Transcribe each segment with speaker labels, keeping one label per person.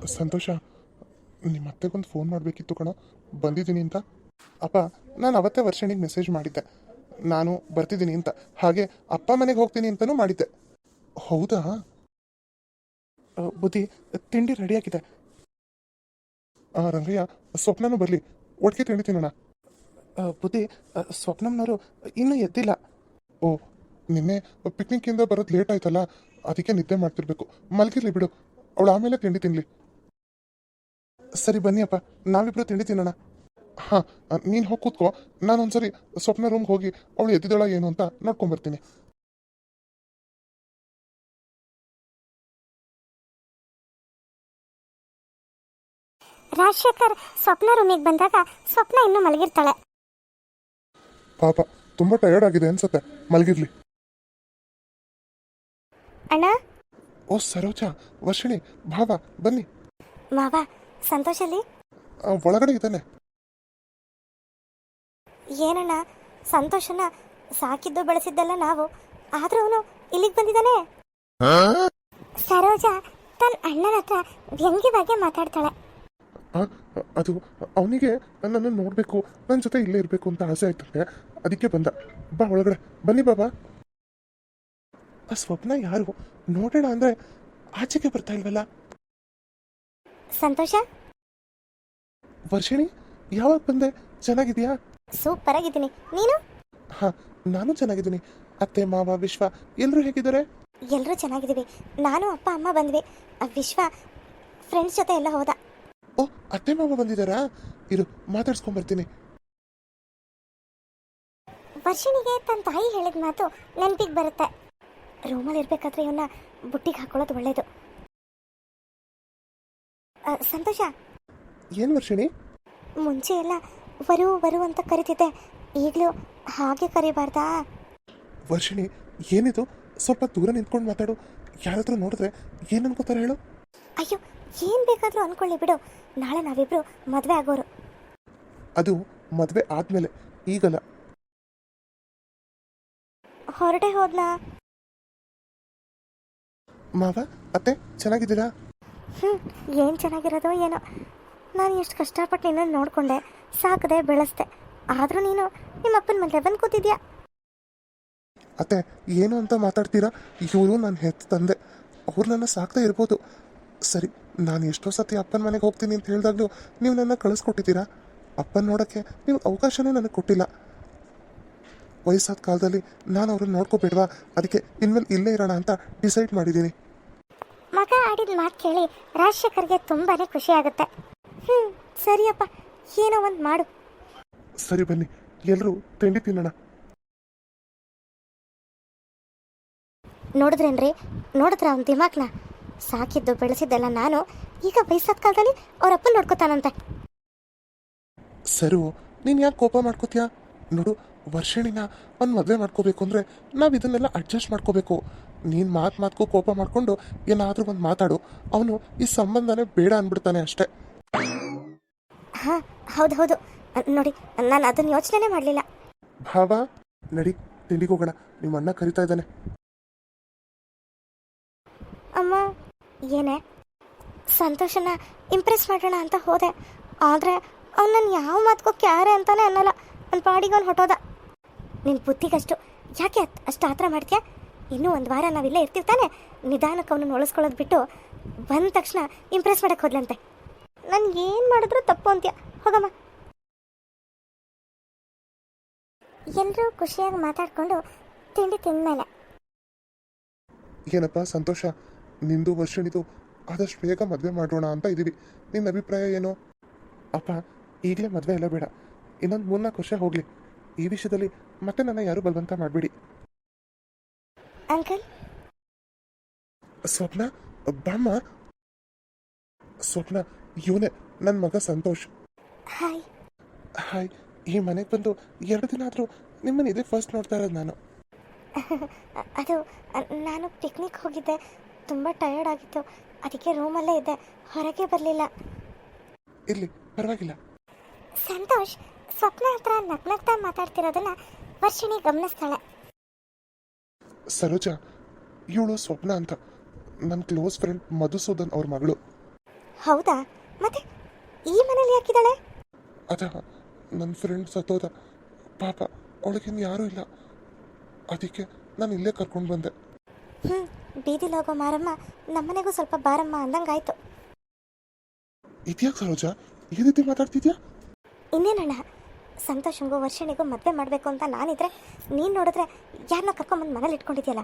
Speaker 1: ಸಂತೋಷ, ನಿಮ್ಮ ಅತ್ತೆಗೊಂದು ಫೋನ್ ಮಾಡಬೇಕಿತ್ತು ಕಣೋ, ಬಂದಿದ್ದೀನಿ ಅಂತ. ಅಪ್ಪ, ನಾನು ಅವತ್ತೇ ವರ್ಷಣಿಗೆ ಮೆಸೇಜ್ ಮಾಡಿದ್ದೆ, ನಾನು ಬರ್ತಿದ್ದೀನಿ ಅಂತ. ಹಾಗೆ ಅಪ್ಪ ಮನೆಗೆ ಹೋಗ್ತೀನಿ ಅಂತಲೂ ಮಾಡಿದ್ದೆ. ಹೌದಾ? ಬುದ್ಧಿ, ತಿಂಡಿ ರೆಡಿಯಾಗಿದೆ. ರಂಗಯ್ಯ, ಸ್ವಪ್ನನೂ ಬರಲಿ, ಒಟ್ಟಿಗೆ ತಿಂಡಿ ತಿನ್ನೋಣ. ಬುದ್ಧಿ, ಸ್ವಪ್ನಮ್ನವರು ಇನ್ನೂ ಎದ್ದಿಲ್ಲ. ಓ, ನಿನ್ನೆ ಪಿಕ್ನಿಕ್ಕಿಂದ ಬರೋದು ಲೇಟ್ ಆಯ್ತಲ್ಲ, ಅದಕ್ಕೆ ನಿದ್ದೆ ಮಾಡ್ತಿರ್ಬೇಕು. ಮಲಗಿರ್ಲಿ ಬಿಡು, ಅವಳು ಆಮೇಲೆ ತಿಂಡಿ ತಿನ್ನಲಿ. ಸರಿ ಬನ್ನಿ ಅಪ್ಪ, ನಾವಿಬ್ರು ತಿಂಡಿ ತಿನ್ನೋಣ. ಹಾಂ, ನೀನು ಹೋಗಿ ಕೂತ್ಕೋ, ನಾನೊಂದ್ಸರಿ ಸ್ವಪ್ನ ರೂಮ್ಗೆ ಹೋಗಿ ಅವಳು ಎದ್ದಿದ್ದಾಳ ಏನು ಅಂತ ನೋಡ್ಕೊಂಬರ್ತೀನಿ.
Speaker 2: ರಾಜಶೇಖರ್ ಸ್ವಪ್ನ ರೂಮಿಗೆ ಬಂದಾಗ ಸ್ವಪ್ನ ಇನ್ನೂ ಮಲಗಿರ್ತಾಳೆ.
Speaker 1: ಪಾಪ, ತುಂಬ ಟಯರ್ಡ್ ಆಗಿದೆ ಅನ್ಸತ್ತೆ, ಮಲಗಿರ್ಲಿ.
Speaker 2: ಅಣ್ಣ.
Speaker 1: ಓ ಸರೋಜಾ, ವರ್ಷಿಣಿ, ಭಾವ ಬನ್ನಿ.
Speaker 2: ಮಾವ, ಸಂತೋಷಲ್ಲಿ?
Speaker 1: ಒಳಗಡೆ ಇದ್ದಾನೆ.
Speaker 2: ಏನಣ್ಣ, ಸಂತೋಷನ ಸಾಕಿದ್ದು ಬೆಳೆಸಿದ್ದಲ್ಲ ನಾವು, ಆದ್ರೂ ಅವನು ಇಲ್ಲಿಗೆ ಬಂದಿದ್ದಾನೆ. ಸರೋಜಾ ತನ್ನ ಅಣ್ಣನ ಹತ್ರ ವ್ಯಂಗ್ಯವಾಗಿ ಮಾತಾಡ್ತಾಳೆ.
Speaker 1: ಅದು ಅವನಿಗೆ ನನ್ನನ್ನು ನೋಡಬೇಕು, ನನ್ನ ಜೊತೆ ಇಲ್ಲೇ ಇರಬೇಕು ಅಂತ ಆಸೆ ಆಯ್ತಂತೆ, ಅದಕ್ಕೆ ಬಂದ. ಬಾ ಒಳಗಡೆ ಬನ್ನಿ ಬಾಬಾ. ಆ ಸ್ವಪ್ನ ಯಾರು ನೋಡೋಣ ಅಂದ್ರೆ ಆಚೆಗೆ ಬರ್ತಾ ಇಲ್ವಲ್ಲ.
Speaker 2: ಸಂತೋಷ.
Speaker 1: ವರ್ಷಿಣಿ, ಯಾವಾಗ ಬಂದೆ? ಚೆನ್ನಾಗಿದ್ಯಾ?
Speaker 2: ಸೂಪರ್ ಆಗಿದ್ದೀನಿ, ನೀನು?
Speaker 1: ಹಾ, ನಾನು ಚೆನ್ನಾಗಿದ್ದೀನಿ. ಅತ್ತೆ ಮಾವ ವಿಶ್ವ ಎಲ್ಲರೂ ಹೇಗಿದ್ದಾರೆ?
Speaker 2: ಎಲ್ಲರೂ ಚೆನ್ನಾಗಿದ್ದೀವಿ. ನಾನು ಅಪ್ಪ ಅಮ್ಮ ಬಂದ್ವಿ. ವಿಶ್ವ ಫ್ರೆಂಡ್ಸ್ ಜೊತೆ ಎಲ್ಲ ಹೋದ.
Speaker 1: ಓ, ಅತ್ತೆ ಮಾವ ಬಂದಿದ್ದಾರಾ? ಇರು, ಮಾತಾಡ್ಸ್ಕೊಂಡ್ಬರ್ತೀನಿ.
Speaker 2: ವರ್ಷಿಣಿಗೆ ತನ್ನ ತಾಯಿ ಹೇಳಿದ ಮಾತು ನೆನಪಿಗೆ ಬರುತ್ತೆ. ರೂಮಲ್ಲಿ ಇರ್ಬೇಕಾದ್ರೆ ಇವನ್ನ ಬುಟ್ಟಿಗೆ ಹಾಕೊಳ್ಳೋದು ಒಳ್ಳೇದು. ಸಂತೋಷ.
Speaker 1: ಏನ್ ವರ್ಷಿಣಿ?
Speaker 2: ಮುಂಚೆ ಎಲ್ಲ ವರು ವರು ಅಂತ ಕರಿತಿದ್ದೆ, ಈಗಲೂ ಹಾಗೆ ಕರಿಬಾರ್ದಾ?
Speaker 1: ವರ್ಷಿಣಿ, ಏನಿದು? ಸ್ವಲ್ಪ ದೂರ ನಿಂತ್ಕೊಂಡು ಮಾತಾಡು. ಯಾರಾದ್ರೂ ನೋಡಿದ್ರೆ ಏನ್ ಅನ್ಕೋತಾರೆ ಹೇಳು?
Speaker 2: ಅಯ್ಯೋ, ಏನ್ ಬೇಕಾದ್ರೂ ಅನ್ಕೊಳ್ಳಿ ಬಿಡು. ನಾಳೆ ನಾವಿಬ್ರು ಮದ್ವೆ ಆಗೋರು.
Speaker 1: ಅದು ಮದ್ವೆ ಆದ್ಮೇಲೆ, ಈಗಲ್ಲ.
Speaker 2: ಹೊರಟೆ ಹೋದ್ನಾ?
Speaker 1: ಮಾವ ಅತ್ತೆ ಚೆನ್ನಾಗಿದ್ದೀರಾ?
Speaker 2: ಏನು ಚೆನ್ನಾಗಿರೋದೋ ಏನೋ. ನಾನು ಎಷ್ಟು ಕಷ್ಟಪಟ್ಟು ನಿನ್ನನ್ನು ನೋಡಿಕೊಂಡೆ, ಸಾಕದೆ ಬೆಳೆಸ್ದೆ, ಆದರೂ ನೀನು ನಿಮ್ಮ ಅಪ್ಪನ ಮನೆ ಬಂದು ಕೂತಿದ್ಯಾ.
Speaker 1: ಅತ್ತೆ, ಏನು ಅಂತ ಮಾತಾಡ್ತೀರಾ? ಇವರು ನಾನು ಹೆತ್ತ ತಂದೆ, ಅವ್ರು ನನ್ನ ಸಾಕ್ತಾ ಇರ್ಬೋದು. ಸರಿ, ನಾನು ಎಷ್ಟೋ ಸತಿ ಅಪ್ಪನ ಮನೆಗೆ ಹೋಗ್ತೀನಿ ಅಂತ ಹೇಳಿದಾಗಲೂ ನೀವು ನನ್ನ ಕಳಿಸ್ಕೊಟ್ಟಿದ್ದೀರಾ. ಅಪ್ಪನ ನೋಡೋಕ್ಕೆ ನೀವು ಅವಕಾಶನೇ ನನಗೆ ಕೊಟ್ಟಿಲ್ಲ. ವಯಸ್ಸಾದ ಕಾಲದಲ್ಲಿ ನಾನು ಅವ್ರನ್ನ ನೋಡ್ಕೋಬೇಡ್ವಾ? ಅದಕ್ಕೆ ಇನ್ಮೇಲೆ ಇಲ್ಲೇ ಇರೋಣ ಅಂತ ಡಿಸೈಡ್ ಮಾಡಿದ್ದೀನಿ.
Speaker 2: ಮಗ ಆಡಿದ ಮಾತು ಕೇಳಿ ರಾಜಶೇಖರ್ಗೆ ತುಂಬಾ ಖುಷಿ ಆಗುತ್ತೆ. ಸರಿಯಪ್ಪ, ಏನೋ ಒಂದು ಮಾಡು.
Speaker 1: ಸರಿ ಬನ್ನಿ, ಎಲ್ಲರೂ ತಿಂಡಿ ತಿನ್ನೋಣ.
Speaker 2: ನೋಡಿದ್ರೇನ್ರಿ, ನೋಡಿದ್ರ ಅವ್ನ ದಿಮಾಕ್ನ? ಸಾಕಿದ್ದು ಬೆಳೆಸಿದ್ದೆಲ್ಲ ನಾನು, ಈಗ ವಯಸ್ಸಾದ ಕಾಲದಲ್ಲಿ ಅವ್ರ ಅಪ್ಪನ ನೋಡ್ಕೋತಾನಂತೆ.
Speaker 1: ಸರು, ನೀನು ಯಾಕೆ ಕೋಪ ಮಾಡ್ಕೋತೀಯಾ? ನೋಡು, ವರ್ಷಿಣಿನ ಒಂದು ಮದುವೆ ಮಾಡ್ಕೋಬೇಕು ಅಂದರೆ ನಾವು ಇದನ್ನೆಲ್ಲ ಅಡ್ಜಸ್ಟ್ ಮಾಡ್ಕೋಬೇಕು. ನೀನು ಮಾತು ಕೋಪ ಮಾಡಿಕೊಂಡು ಏನಾದರೂ ಒಂದು ಮಾತಾಡು, ಅವನು ಈ ಸಂಬಂಧನೇ ಬೇಡ ಅಂದ್ಬಿಡ್ತಾನೆ ಅಷ್ಟೇ.
Speaker 2: ಹಾಂ, ಹೌದು ನೋಡಿ, ನಾನು ಅದನ್ನು ಯೋಚನೆ ಮಾಡಲಿಲ್ಲ.
Speaker 1: ಭಾವ, ನಡಿ ತಿಂಡಿಗೆ ಹೋಗೋಣ, ನಿಮ್ಮ ಅಣ್ಣ ಕರಿತಾ ಇದ್ದಾನೆ.
Speaker 2: ಅಮ್ಮ. ಏನೇ? ಸಂತೋಷನ ಇಂಪ್ರೆಸ್ ಮಾಡೋಣ ಅಂತ ಹೋದೆ, ಆದರೆ ಅವ್ನು ನನ್ನ ಯಾವ ಮಾತುಗೂ ಕ್ಯಾರೆ ಅಂತಾನೆ ಅನ್ನಲ್ಲ. ನನ್ನ ಪಾಡಿಗೆ ಅವ್ನು ಹೊಟ್ಟೋದ. ನಿನ್ನ ಬುದ್ಧಿಗಷ್ಟು ಯಾಕೆ ಅಷ್ಟು ಆತರ ಮಾಡ್ತೀಯಾ? ಇನ್ನೂ ಒಂದು ವಾರ ನಾವಿಲ್ಲೇ ಇರ್ತಿರ್ತಾನೆ, ನಿಧಾನಕ್ಕೆ ಅವನನ್ನು ಉಳಿಸ್ಕೊಳ್ಳೋದು ಬಿಟ್ಟು ಬಂದ ತಕ್ಷಣ ಇಂಪ್ರೆಸ್ ಮಾಡೋಕ್ಕೆ ಹೋದ್ಲಂತೆ. ನನ್ಗೆ ಏನು ಮಾಡಿದ್ರು ತಪ್ಪು ಅಂತೀಯ, ಹೋಗಮ್ಮ. ಎಲ್ಲರೂ ಖುಷಿಯಾಗಿ ಮಾತಾಡಿಕೊಂಡು ತಿಂಡಿ ತಿಂದಮೇಲೆ,
Speaker 1: ಏನಪ್ಪ ಸಂತೋಷ, ನಿಂದು ವರ್ಷಣಿದು ಆದಷ್ಟು ಬೇಗ ಮದುವೆ ಮಾಡೋಣ ಅಂತ ಇದ್ದೀವಿ. ನಿನ್ನ ಅಭಿಪ್ರಾಯ ಏನು? ಅಪ್ಪ, ಈಗಲೇ ಮದುವೆ ಎಲ್ಲ ಬೇಡ, ಇನ್ನೊಂದು 3-4 ವರ್ಷ ಹೋಗಲಿ. ಈ ವಿಷಯದಲ್ಲಿ ಮತ್ತೆ ನನ್ನ ಯಾರು ಬಲವಂತ ಮಾಡಬೇಡಿ.
Speaker 2: ಅಂಕಲ್.
Speaker 1: ಸ್ವಪ್ನ, ಬಾಮ್ಮ. ಸ್ವಪ್ನ, ಇವನೇ ನನ್ನ ಮಗ ಸಂತೋಷ್.
Speaker 2: ಹಾಯ್.
Speaker 1: ಹಾಯ್. ಈ ಮನೆಗೆ ಬಂದು 2 ದಿನ ಆದರೂ ನಿಮ್ಮನ್ನು ಇದೇ ಫಸ್ಟ್ ನೋಡ್ತಾ ಇರೋದು ನಾನು.
Speaker 2: ಅದು ನಾನು ಪಿಕ್ನಿಕ್ ಹೋಗಿದ್ದೆ, ತುಂಬ ಟಯರ್ಡ್ ಆಗಿತ್ತು, ಅದಕ್ಕೆ ರೂಮಲ್ಲೇ ಇದ್ದೆ, ಹೊರಗೆ ಬರಲಿಲ್ಲ.
Speaker 1: ಇರಲಿ, ಪರವಾಗಿಲ್ಲ.
Speaker 2: ಸಂತೋಷ್ ಸ್ವಪ್ನ ಹತ್ರ ನಗ್ನಗ್ತಾ ಮಾತಾಡ್ತಿರೋದನ್ನ ವರ್ಷಿಣಿ ಗಮನಿಸ್ತಾಳೆ.
Speaker 1: ಸರೋಜಾ, ಇವಳು ಸ್ವಪ್ನ ಅಂತ ನನ್ನ ಕ್ಲೋಸ್ ಫ್ರೆಂಡ್ ಮಧುಸೂದನ್ ಅವ್ರ ಮಗಳು.
Speaker 2: ಹೌದಾ? ಮತ್ತೆ ಈ ಮನೇಲಿ ಯಾಕಿದ್ದಾಳೆ?
Speaker 1: ಅದ ನನ್ನ ಫ್ರೆಂಡ್ ಸತ್ತೋದ, ಪಾಪ ಅವಳಿಗಿನ್ನು ಯಾರೂ ಇಲ್ಲ, ಅದಕ್ಕೆ ನಾನು ಇಲ್ಲೇ ಕರ್ಕೊಂಡು ಬಂದೆ.
Speaker 2: ಹ್ಞೂ, ಬೀದಿಲಿ ಹೋಗೋ ಮಾರಮ್ಮ ನಮ್ಮನೆಗೂ ಸ್ವಲ್ಪ ಬಾರಮ್ಮ ಅಂದಂಗಾಯ್ತು.
Speaker 1: ಇದ್ಯಾಕೆ ಸರೋಜ ಈ ರೀತಿ ಮಾತಾಡ್ತಿದ್ಯಾ?
Speaker 2: ಇನ್ನೇನಣ್ಣ, ಸಂತೋಷಂಗೂ ವರ್ಷಣಿಗೂ ಮದುವೆ ಮಾಡಬೇಕು ಅಂತ ನಾನಿದ್ರೆ ನೀನು ನೋಡಿದ್ರೆ ಯಾರನ್ನ ಕರ್ಕೊಂಬಂದು ಮನೇಲಿ ಇಟ್ಕೊಂಡಿದ್ಯಲ್ಲ.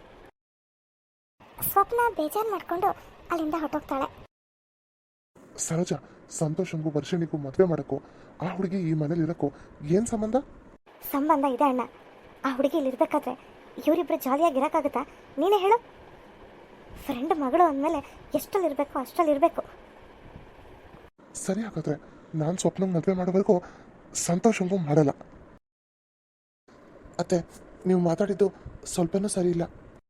Speaker 2: ಸ್ವಪ್ನ ಬೇಜಾರು ಮಾಡಿಕೊಂಡು ಅಲ್ಲಿಂದ ಹೊರಟೋಗ್ತಾಳೆ.
Speaker 1: ಸರೋಜ, ಸಂತೋಷಂಗೂ ವರ್ಷಣಿಗೂ ಮದುವೆ ಮಾಡೋಕ್ಕೂ ಆ ಹುಡುಗಿ ಈ ಮನೇಲಿ ಇರೋಕ್ಕೂ ಏನು ಸಂಬಂಧ?
Speaker 2: ಸಂಬಂಧ ಇದೆ ಅಣ್ಣ. ಆ ಹುಡುಗಿ ಇಲ್ಲಿರ್ಬೇಕಾದ್ರೆ ಇವರಿಬ್ಬರು ಜಾಲಿಯಾಗಿ ಇರೋಕ್ಕಾಗುತ್ತಾ? ನೀನೇ ಹೇಳು. ಫ್ರೆಂಡ್ ಮಗಳು ಅಂದಮೇಲೆ ಎಷ್ಟಲ್ಲಿರಬೇಕು ಅಷ್ಟಲ್ಲಿರಬೇಕು.
Speaker 1: ಸರಿ, ಹಾಗಾದ್ರೆ ನಾನು ಸ್ವಪ್ನಂಗೆ ಮದುವೆ ಮಾಡೋವರೆಗೂ ಸಂತೋಷಂಗೂ ಮಾಡಲ್ಲ. ಅತ್ತೆ, ನೀವು ಮಾತಾಡಿದ್ದು ಸ್ವಲ್ಪನೂ ಸರಿ ಇಲ್ಲ.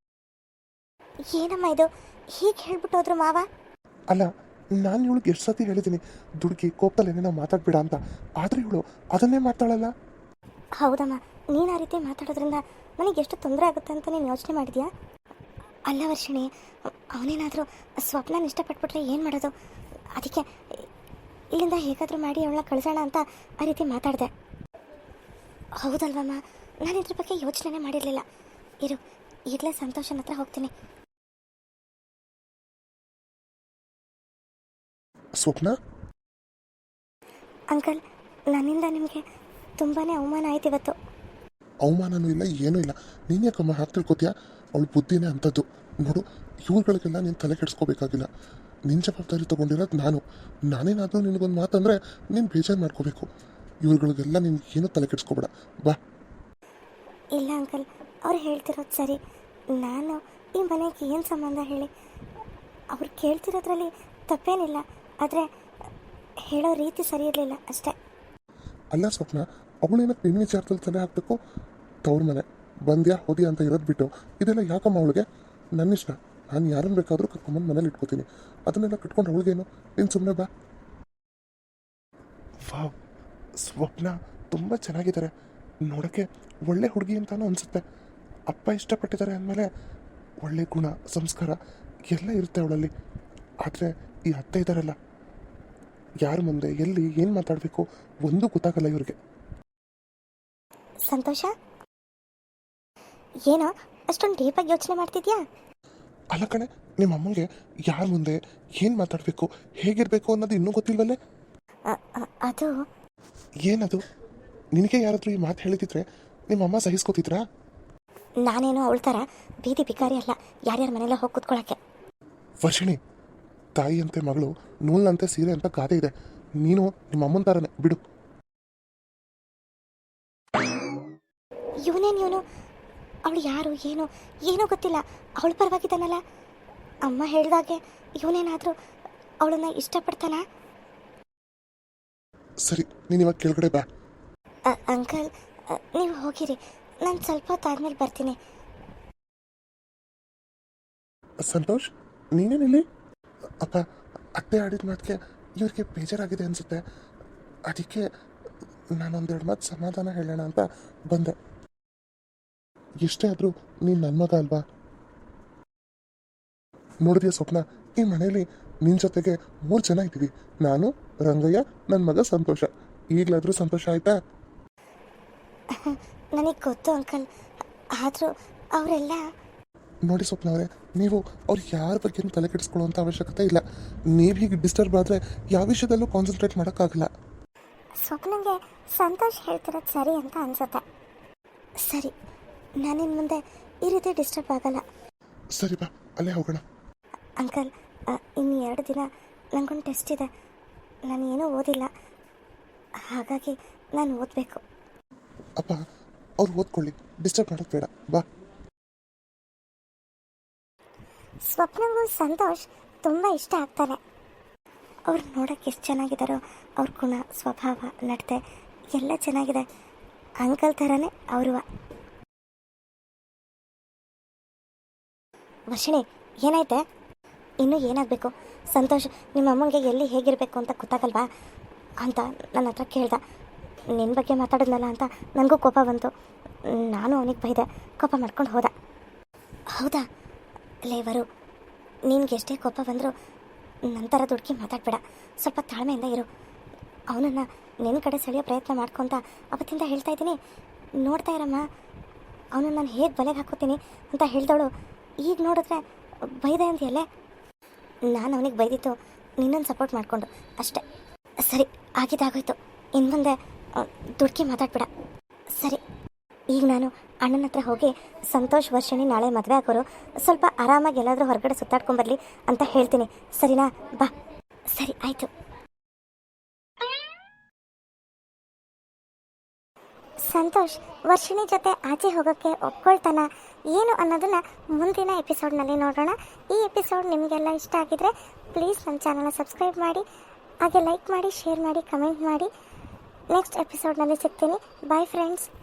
Speaker 2: ಏನಮ್ಮ ಇದು ಹೀಗೆ ಹೇಳ್ಬಿಟ್ಟು ಹೋದ್ರು ಮಾವ?
Speaker 1: ಅಲ್ಲ, ನಾನು ಇವಳಿಗೆ ಎಷ್ಟು ಸತಿ ಹೇಳಿದ್ದೀನಿ ದುಡುಕಿ ಕೋಪದಲ್ಲಿ ಏನೇನೋ ಮಾತಾಡ್ಬೇಡ ಅಂತ, ಆದರೆ ಇವಳು ಅದನ್ನೇ ಮಾಡ್ತಾಳಲ್ಲ.
Speaker 2: ಹೌದಮ್ಮ, ನೀನು ಆ ರೀತಿ ಮಾತಾಡೋದ್ರಿಂದ ನನಗೆ ಎಷ್ಟು ತೊಂದರೆ ಆಗುತ್ತೆ ಅಂತ ನೀನು ಯೋಚನೆ ಮಾಡಿದ್ಯಾ? ಅಲ್ಲ ವರ್ಷಿಣಿ, ಅವನೇನಾದರೂ ಸ್ವಪ್ನ ಇಷ್ಟಪಟ್ಬಿಟ್ರೆ ಏನು ಮಾಡೋದು? ಅದಕ್ಕೆ ಇಲ್ಲಿಂದ ಹೇಗಾದರೂ ಮಾಡಿ ಅವಳನ್ನ ಕಳಿಸೋಣ ಅಂತ ಆ ರೀತಿ ಮಾತಾಡಿದೆ. ಹೌದಲ್ವಮ್ಮ, ನಾನು ಇದ್ರ ಬಗ್ಗೆ ಯೋಚನೆ ಮಾಡಿರಲಿಲ್ಲ. ಇರು, ಈಗಲೇ ಸಂತೋಷನ ಹತ್ರ ಹೋಗ್ತೀನಿ.
Speaker 1: ಸ್ವಪ್ನ,
Speaker 2: ಅಂಕಲ್, ನನ್ನಿಂದ ನಿಮಗೆ ತುಂಬಾ ಅವಮಾನ ಆಯ್ತು ಇವತ್ತು.
Speaker 1: ಅವಮಾನನೂ ಇಲ್ಲ, ಏನೂ ಇಲ್ಲ. ನೀನು ಯಾಕಮ್ಮ ಹಾಕಿ ತಿಳ್ಕೊತೀಯಾ? ಅವಳು ಬುದ್ಧಿನೇ ಅಂಥದ್ದು. ನೋಡು, ಇವ್ರುಗಳಿಗೆಲ್ಲ ನೀನು ತಲೆ ಕೆಡಿಸ್ಕೋಬೇಕಾಗಿಲ್ಲ. ನಿನ್ನ ಜವಾಬ್ದಾರಿ ತೊಗೊಂಡಿರೋದು ನಾನೇನಾದರೂ ನಿನಗೊಂದು ಮಾತಂದರೆ ನೀನು ಬೇಜಾರು ಮಾಡ್ಕೋಬೇಕು. ಇವ್ರುಗಳಿಗೆಲ್ಲ ನೀನು ಏನೂ ತಲೆ ಕೆಡಿಸ್ಕೋಬೇಡ, ಬಾ.
Speaker 2: ಇಲ್ಲ ಅಂಕಲ್, ಅವ್ರು ಹೇಳ್ತಿರೋದು ಸರಿ. ನಾನು ಈ ಮನೆಗೆ ಏನು ಸಂಬಂಧ ಹೇಳಿ? ಅವ್ರು ಕೇಳ್ತಿರೋದ್ರಲ್ಲಿ ತಪ್ಪೇನಿಲ್ಲ, ಆದರೆ ಹೇಳೋ ರೀತಿ ಸರಿ ಇರಲಿಲ್ಲ ಅಷ್ಟೇ.
Speaker 1: ಅಲ್ಲ ಸ್ವಪ್ನ, ಅವಳೇನಕ್ಕೆ ನಿನ್ನ ವಿಚಾರದಲ್ಲಿ ತಲೆ ಹಾಕಬೇಕು? ತವ್ರ ಮನೆ ಬಂದ್ಯಾ ಹೋದ್ಯಾ ಅಂತ ಇರೋದು ಬಿಟ್ಟು ಇದೆಲ್ಲ ಯಾಕಮ್ಮ ಅವಳಿಗೆ? ನನ್ನ ಇಷ್ಟ, ನಾನು ಯಾರನ್ನು ಬೇಕಾದರೂ ಕರ್ಕೊಂಬಂದು ಮನೇಲಿ ಇಟ್ಕೋತೀನಿ. ಅದನ್ನೆಲ್ಲ ಕಟ್ಕೊಂಡು ಅವಳಿಗೇನು? ನೀನು ಸುಮ್ಮನೆ ಬಾ. ವಾವ್, ಸ್ವಪ್ನ ತುಂಬ ಚೆನ್ನಾಗಿದ್ದಾರೆ, ನೋಡೋಕ್ಕೆ ಒಳ್ಳೆ ಹುಡುಗಿ ಅಂತಾನೂ ಅನಿಸುತ್ತೆ. ಅಪ್ಪ ಇಷ್ಟಪಟ್ಟಿದ್ದಾರೆ ಅಂದಮೇಲೆ ಒಳ್ಳೆ ಗುಣ ಸಂಸ್ಕಾರ ಎಲ್ಲ ಇರುತ್ತೆ ಅವಳಲ್ಲಿ. ಆದರೆ ಈ ಅತ್ತೆ ಇದ್ದಾರಲ್ಲ, ಯಾರ ಮುಂದೆ ಎಲ್ಲಿ ಏನು ಮಾತಾಡಬೇಕು ಒಂದೂ ಗೊತ್ತಾಗಲ್ಲ ಇವ್ರಿಗೆ.
Speaker 2: ಸಂತೋಷ, ಏನೋ ಅಷ್ಟೊಂದು ಡೀಪಾಗಿ ಯೋಚನೆ ಮಾಡ್ತಿದ್ಯಾ?
Speaker 1: ಅಲ್ಲ ಕಣೆ, ನಿಮ್ಮ ಅಮ್ಮಂಗೆ ಯಾರ ಮುಂದೆ ಏನು ಮಾತಾಡಬೇಕು ಹೇಗಿರಬೇಕು ಅನ್ನೋದು ಇನ್ನೂ ಗೊತ್ತಿಲ್ವಲ್ಲೇ?
Speaker 2: ಅದು
Speaker 1: ಏನದು? ನಿನಗೆ ಯಾರಾದರೂ ಈ ಮಾತು ಹೇಳಿದಿದ್ರೆ ನಿಮ್ಮ ಅಮ್ಮ ಸಹಿಸ್ಕೋತಿದ್ರಾ?
Speaker 2: ನಾನೇನೋ ಅವಳ ಥರ ಬೀದಿ ಬಿಕಾರಿ ಅಲ್ಲ, ಯಾರ್ಯಾರ ಮನೆಯಲ್ಲ ಹೋಗಿ ಕೂತ್ಕೊಳ್ಳೋಕ್ಕೆ.
Speaker 1: ವರ್ಷಿಣಿ, ತಾಯಿಯಂತೆ ಮಗಳು ನೂಲ್ನಂತೆ ಸೀರೆ ಅಂತ ಗಾದೆ ಇದೆ. ನೀನು ನಿಮ್ಮ ಅಮ್ಮನ ಥರನೇ ಬಿಡು.
Speaker 2: ಇವನು ಅವಳು ಯಾರು ಏನು ಏನೂ ಗೊತ್ತಿಲ್ಲ, ಅವಳು ಪರವಾಗಿದ್ದಾನಲ್ಲ. ಅಮ್ಮ ಹೇಳಿದಾಗೆ ಇವನೇನಾದರೂ ಅವಳನ್ನ ಇಷ್ಟಪಡ್ತಾನ?
Speaker 1: ಸರಿ, ನೀನು ಇವಾಗ ಕೆಳಗಡೆ ಬಾ.
Speaker 2: ಅಂಕಲ್, ನೀವು ಹೋಗಿರಿ, ನಾನು ಸ್ವಲ್ಪ ಹೊತ್ತಾದ್ಮೇಲೆ ಬರ್ತೀನಿ.
Speaker 1: ಸಂತೋಷ್, ನೀನೇನಿಲ್ಲಿ? ಅಪ್ಪ, ಅತ್ತೆ ಆಡಿದ ಮಾತಿಗೆ ಇವ್ರಿಗೆ ಬೇಜಾರಾಗಿದೆ ಅನಿಸುತ್ತೆ. ಅದಕ್ಕೆ ನಾನೊಂದೆರಡು ಮಾತು ಸಮಾಧಾನ ಹೇಳೋಣ ಅಂತ ಬಂದೆ. ಎಷ್ಟೇ ಆದರೂ ನೀನು ನನ್ನ ಮಗ ಅಲ್ವಾ? ನೋಡಿದ್ಯಾ ಸ್ವಪ್ನ, ಈ ಮನೇಲಿ ನಿನ್ನ ಜೊತೆಗೆ 3 ಜನ ಇದ್ದೀವಿ. ನಾನು, ರಂಗಯ್ಯ, ನನ್ನ ಮಗ ಸಂತೋಷ. ಈಗಲಾದರೂ ಸಂತೋಷ ಆಯ್ತಾ?
Speaker 2: ನನಗೆ ಗೊತ್ತು ಅಂಕಲ್, ಆದರೂ ಅವರೆಲ್ಲ...
Speaker 1: ನೋಡಿ ಸ್ವಪ್ನ ಅವರೇ, ನೀವು ಅವ್ರು ಯಾರ ಬಗ್ಗೆನೂ ತಲೆ ಕೆಡಿಸ್ಕೊಳ್ಳುವಂಥ ಅವಶ್ಯಕತೆ ಇಲ್ಲ. ನೀವು ಹೀಗೆ ಡಿಸ್ಟರ್ಬ್ ಆದರೆ ಯಾವ ವಿಷಯದಲ್ಲೂ ಕಾನ್ಸಂಟ್ರೇಟ್ ಮಾಡೋಕ್ಕಾಗಲ್ಲ.
Speaker 2: ಸ್ವಪ್ನಂಗೆ ಸಂತೋಷ್ ಹೇಳ್ತಿರೋದು ಸರಿ ಅಂತ ಅನ್ಸುತ್ತೆ. ಸರಿ, ನಾನಿನ್ನು ಮುಂದೆ ಈ ರೀತಿ ಡಿಸ್ಟರ್ಬ್ ಆಗಲ್ಲ.
Speaker 1: ಸರಿ ಬಾ, ಅಲ್ಲೇ ಹೋಗೋಣ.
Speaker 2: ಅಂಕಲ್, ಇನ್ನು 2 ದಿನ ನನಗೊಂದು ಟೆಸ್ಟ್ ಇದೆ. ನಾನು ಏನೂ ಓದಿಲ್ಲ, ಹಾಗಾಗಿ ನಾನು ಓದಬೇಕು.
Speaker 1: ಅಪ್ಪ, ಅವ್ರು ಓದ್ಕೊಳ್ಳಿ, ಡಿಸ್ಟರ್ಬ್ ಮಾಡೋದು ಬೇಡ, ಬಾ.
Speaker 2: ಸ್ವಪ್ನಗೂ ಸಂತೋಷ್ ತುಂಬ ಇಷ್ಟ ಆಗ್ತಾರೆ. ಅವ್ರು ನೋಡೋಕ್ಕೆ ಎಷ್ಟು ಚೆನ್ನಾಗಿದ್ದಾರೋ, ಅವ್ರ ಗುಣ ಸ್ವಭಾವ ನಡತೆ ಎಲ್ಲ ಚೆನ್ನಾಗಿದೆ. ಅಂಕಲ್ ಥರನೇ ಅವರು. ವರ್ಷಿಣಿ, ಏನಾಯ್ತೆ? ಇನ್ನೂ ಏನಾಗಬೇಕು? ಸಂತೋಷ್ ನಿಮ್ಮ ಅಮ್ಮಂಗೆ ಎಲ್ಲಿ ಹೇಗಿರಬೇಕು ಅಂತ ಗೊತ್ತಾಗಲ್ವಾ ಅಂತ ನನ್ನ ಹತ್ರ ಕೇಳ್ದ. ನಿನ್ನ ಬಗ್ಗೆ ಮಾತಾಡಿದ್ನಲ್ಲ ಅಂತ ನನಗೂ ಕೋಪ ಬಂತು. ನಾನು ಅವನಿಗೆ ಬೈದೆ, ಕೋಪ ಮಾಡ್ಕೊಂಡು ಹೋದ. ಹೌದಾ ಲೇವರು, ನಿನ್ಗೆ ಎಷ್ಟೇ ಕೋಪ ಬಂದರೂ ನಂತರ ದುಡುಕಿ ಮಾತಾಡಬೇಡ, ಸ್ವಲ್ಪ ತಾಳ್ಮೆಯಿಂದ ಇರು. ಅವನನ್ನು ನಿನ್ನ ಕಡೆ ಸೆಳೆಯೋ ಪ್ರಯತ್ನ ಮಾಡ್ಕೊತ ಅವತ್ತಿಂದ ಹೇಳ್ತಾ ಇದ್ದೀನಿ. ನೋಡ್ತಾ ಇರಮ್ಮ, ಅವನನ್ನು ನಾನು ಹೇಗೆ ಬಲೆಗೆ ಹಾಕೋತೀನಿ ಅಂತ ಹೇಳ್ದವಳು ಈಗ ನೋಡಿದ್ರೆ ಬೈದೆ ಅಂತೀಯಲ್ಲೇ. ನಾನು ಅವನಿಗೆ ಬೈದಿತ್ತು ನಿನ್ನನ್ನು ಸಪೋರ್ಟ್ ಮಾಡಿಕೊಂಡು ಅಷ್ಟೇ. ಸರಿ, ಆಗಿದ್ದಾಗೋಯ್ತು. ಇನ್ನು ಮುಂದೆ ದುಡುಕಿ ಮಾತಾಡ್ಬೇಡ, ಸರಿ? ಈಗ ನಾನು ಅಣ್ಣನ ಹತ್ರ ಹೋಗಿ ಸಂತೋಷ್ ವರ್ಷಿಣಿ ನಾಳೆ ಮದುವೆ ಆಗೋರು, ಸ್ವಲ್ಪ ಆರಾಮಾಗಿ ಎಲ್ಲಾದರೂ ಹೊರಗಡೆ ಸುತ್ತಾಡ್ಕೊಂಬರ್ಲಿ ಅಂತ ಹೇಳ್ತೀನಿ, ಸರಿನಾ? ಬಾ. ಸರಿ, ಆಯಿತು. ಸಂತೋಷ್ ವರ್ಷಿಣಿ ಜೊತೆ ಆಚೆ ಹೋಗೋಕ್ಕೆ ಒಪ್ಕೊಳ್ತಾನ ಏನು ಅನ್ನೋದನ್ನ ಮುಂದಿನ ಎಪಿಸೋಡ್ನಲ್ಲಿ ನೋಡೋಣ. ಈ ಎಪಿಸೋಡ್ ನಿಮಗೆಲ್ಲ ಇಷ್ಟ ಆಗಿದ್ರೆ ಪ್ಲೀಸ್ ನನ್ನ ಚಾನಲ್ನ ಸಬ್ಸ್ಕ್ರೈಬ್ ಮಾಡಿ, ಹಾಗೆ ಲೈಕ್ ಮಾಡಿ, ಶೇರ್ ಮಾಡಿ, ಕಮೆಂಟ್ ಮಾಡಿ. ನೆಕ್ಸ್ಟ್ ಎಪಿಸೋಡ್ನಲ್ಲಿ ಸಿಗ್ತೀನಿ. Bye friends.